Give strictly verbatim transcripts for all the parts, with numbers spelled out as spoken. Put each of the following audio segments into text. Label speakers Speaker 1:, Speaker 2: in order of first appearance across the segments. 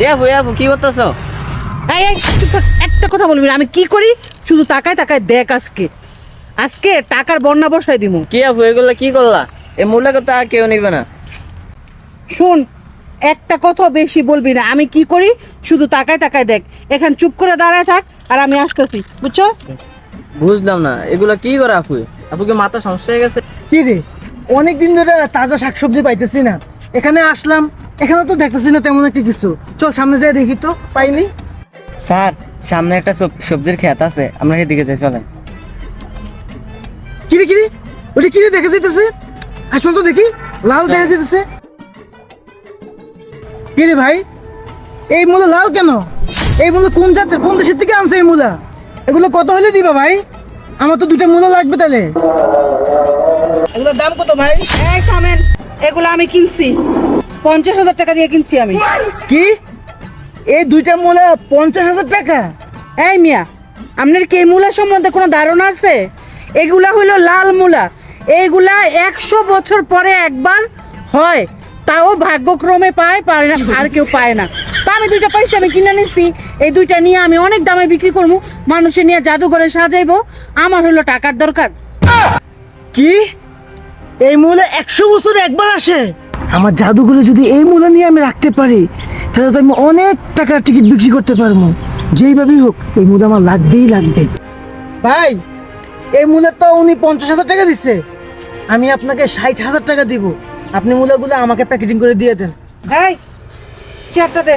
Speaker 1: এ আপু এ আপু কি করতেছো?
Speaker 2: এই এই চুপ থাক, একটা কথা বলবি না। আমি কি করি শুধু তাকায় তাকায় দেখ। আজকে আজকে টাকার বন্যা বসাই দিমু।
Speaker 1: কি আপু এগুলো কি করলা? এই মূল্য কথা কেউ নিবে না।
Speaker 2: শোন, একটা কথা বেশি বলবি না। আমি কি করি শুধু তাকায় তাকায় দেখ। এখান চুপ করে দাঁড়ায় থাক আর আমি আসতেছি, বুঝছস?
Speaker 1: বুঝলাম না এগুলো কি করে আপু? আপু কি মাথা সমস্যা হয়ে গেছে?
Speaker 3: কি রে, অনেক দিন ধরে তাজা শাকসবজি পাইতেছি না। এখানে আসলাম, এখানে তো দেখতেছি না তেমন একটা কিছু। চল সামনে যাই দেখি তো, পাইনি।
Speaker 4: স্যার সামনে একটা সব- সবজির ক্ষেত আছে, আমরা সেদিকে যাই, চলেন।
Speaker 3: কিরে কিরে, ওটা কিরে দেখা যাইতেছে? আসল তো দেখি, লাল দেখা যাইতেছে। কিরে ভাই, এই মূলা লাল কেন? এই মূলা কোন জাতের, কোন দেশের থেকে আনছে এই মূলা? এগুলো কত হলে দিবা ভাই? আমার তো দুটো মূলা লাগবে তাহলে। এগুলোর দাম কত ভাই?
Speaker 2: এই থামেন, এগুলো আমি কিনছি পঞ্চাশ হাজার টাকা দিয়ে কিনছি আমি।
Speaker 3: কি, এই দুইটা মূলা পঞ্চাশ হাজার টাকা?
Speaker 2: এই মিয়া, আপনার কি এই মূলা সম্বন্ধে কোনো ধারণা আছে? এগুলা হইলো লাল মূলা। এইগুলা একশো বছর পরে একবার হয়, তাও ভাগ্যক্রমে পায়, পায় না, আর কেউ পায় না। তা আমি দুইটা পাইছি, আমি কিনে নিচ্ছি। এই দুইটা নিয়ে আমি অনেক দামে বিক্রি করবো, মানুষের নিয়ে জাদুঘরে সাজাইবো। আমার হলো টাকার দরকার।
Speaker 3: কি, এই মূলা একশো বছরে একবার আসে? আমার জাদুঘরে যদি এই মূলা নিয়ে আমি রাখতে পারি, তাহলে তো আমি অনেক টাকার টিকিট বিক্রি করতে পারবো। যেইভাবেই হোক এই মূলা আমার লাগবেই লাগবে। ভাই, এই মূলার তো উনি পঞ্চাশ হাজার টাকা দিচ্ছে, আমি আপনাকে ষাট হাজার টাকা দিব। আপনি মূলাগুলো আমাকে প্যাকেটিং করে দিয়ে দেন।
Speaker 2: এই চেয়ারটা দে।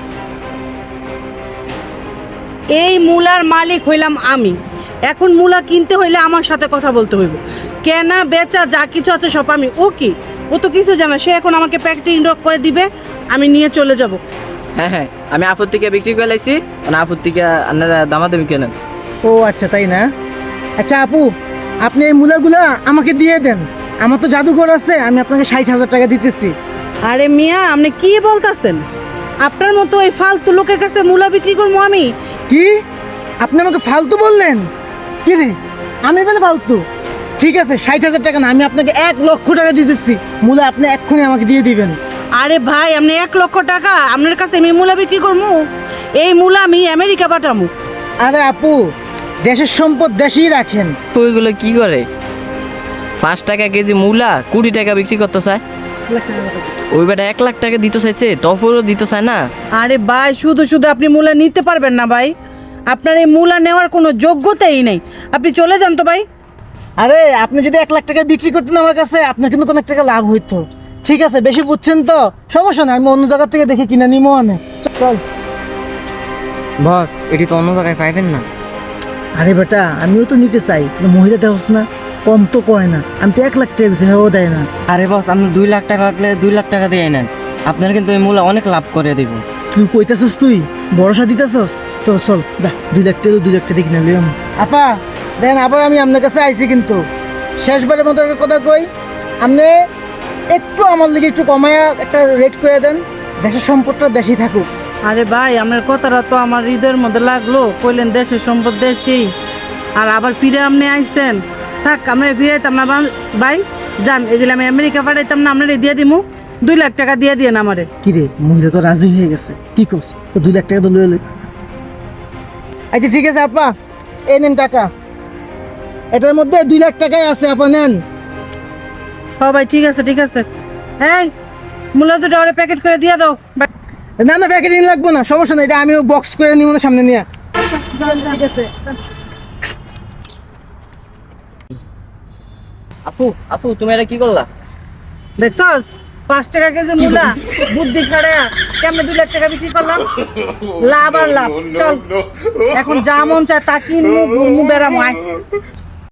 Speaker 2: এই মূলার মালিক হইলাম আমি। এখন মূলা কিনতে হইলে আমার সাথে কথা বলতে হইব। কেনা বেচা যা কিছু আছে সব আমি। ও কি, ও তো কিছু জানে। সে এখন আমাকে প্যাকেটিং করে দিবে, আমি নিয়ে চলে যাব।
Speaker 1: হ্যাঁ হ্যাঁ, আমি আপুর থেকে বিক্রি করে লাইছি, মানে আপুর থেকে আপনারা দামাদামি কেনেন।
Speaker 3: ও আচ্ছা, তাই না? আচ্ছা আপু, আপনি এই মূলাগুলা আমাকে দিয়ে দেন। আমার তো জাদুঘর আছে, আমি আপনাকে ষাট হাজার টাকা দিতেছি।
Speaker 2: আরে মিয়া, আপনি কি বলতেছেন? আপনার মতো এই ফালতু লোকের কাছে মূলা বিক্রি করবো আমি?
Speaker 3: কি, আপনি আমাকে ফালতু বললেন? কি রে, আমি বলে ফালতু? ঠিক আছে, ষাট হাজার টাকা না, আমি আপনাকে এক লক্ষ টাকা দিতেছি। মূলা আপনি এক্ষুনি আমাকে দিয়ে দিবেন।
Speaker 2: আরে ভাই, আপনি এক লক্ষ টাকা আপনার কাছে আমি মূলা বিক্রি করবো? এই মূলা আমি আমেরিকা পাঠাবো।
Speaker 3: আরে আপু, দেশের সম্পদ দেশেই রাখেন।
Speaker 1: তো ওইগুলো কি করে? পাঁচ টাকা কেজি মূলা কুড়ি টাকা বিক্রি করতে চায়। ওই বেটা এক লাখ টাকা দিতে চাইছে, তফরও দিতে চায় না।
Speaker 2: আরে ভাই, শুধু শুধু আপনি মূলা নিতে পারবেন না ভাই। আপনার এই মূলা নেওয়ার কোনো যোগ্যতাই নেই। আপনি চলে যান তো ভাই।
Speaker 3: আরে আপনি যদি এক লাখ টাকা বিক্রি করতেন আমার কাছে, আপনার কিন্তু কোনো টাকা লাভ হইতো। ঠিক আছে, বেশি বুঝছেন তো, সমস্যা নাই, আমি অন্য জায়গা থেকে দেখে কিনে নিবো। অনেক চল।
Speaker 4: বস, এটি তো অন্য জায়গায় পাইবেন না।
Speaker 3: আরে বেটা, আমিও তো নিতে চাই, কিন্তু মহিলা দেওয়াস না, কম তো কয় না। আমি তো এক লাখ টাকা দিচ্ছি, হ্যাঁ ও দেয় না।
Speaker 4: আরে বস, আপনি দুই লাখ টাকা লাগলে দুই লাখ টাকা দিয়ে নেন, আপনার কিন্তু এই মূলা অনেক লাভ করে দিব।
Speaker 3: তুই কইতাছস, তুই ভরসা দিতেছস তো? চল যা, দুই লাখ টাকা দুই লাখ টাকা কিনে লিও। আপা দেন, আবার আমি আপনার কাছে আইছি, কিন্তু শেষবারের মতো একটা কথা কই, আপনি একটু আমার লিগে একটু কমায়া একটা রেট করে দেন। দেশের সম্পদটা দেশেই থাকুক।
Speaker 2: আরে ভাই, আপনার কথাটা তো আমার হৃদয়ের মধ্যে লাগলো। কইলেন দেশের সম্পদ দেশেই, আর আবার ফিরে আপনি আইসেন। থাক, আমরা ফিরাইতাম না ভাই। যান, এগুলো আমি আমেরিকা পাঠাইতাম না, আপনার দিয়ে দিমু। দুই লাখ টাকা দিয়ে দিয়েন আমারে।
Speaker 3: কিরে, মহিলা তো রাজি হয়ে গেছে, কি করছ? তো দুই লাখ টাকা তো লয়ে লই। আচ্ছা ঠিক আছে আপা, এই নেন টাকা। এটার মধ্যে দুই লাখ টাকাই আছে, আপা নেন।
Speaker 2: ও ভাই, ঠিক আছে ঠিক আছে। এই মূলা দুটো ওরে প্যাকেট করে দিয়ে দাও ভাই।
Speaker 3: না না, প্যাকেটিং লাগবো না, সমস্যা নাই, এটা আমি বক্স করে নিব না, সামনে নিয়ে। ঠিক আছে।
Speaker 1: আপু আপু তুমি এটা কি করলা?
Speaker 2: দেখছস, পাঁচ টাকা কেজি মূলা, বুদ্ধি খাড়া কেমনে দুই লাখ টাকা বিক্রি করলাম। লাভ আর লাভ। চল, এখন যা মন চায় তা কিনবো, ঘুরমু, বেড়ামো। আয়।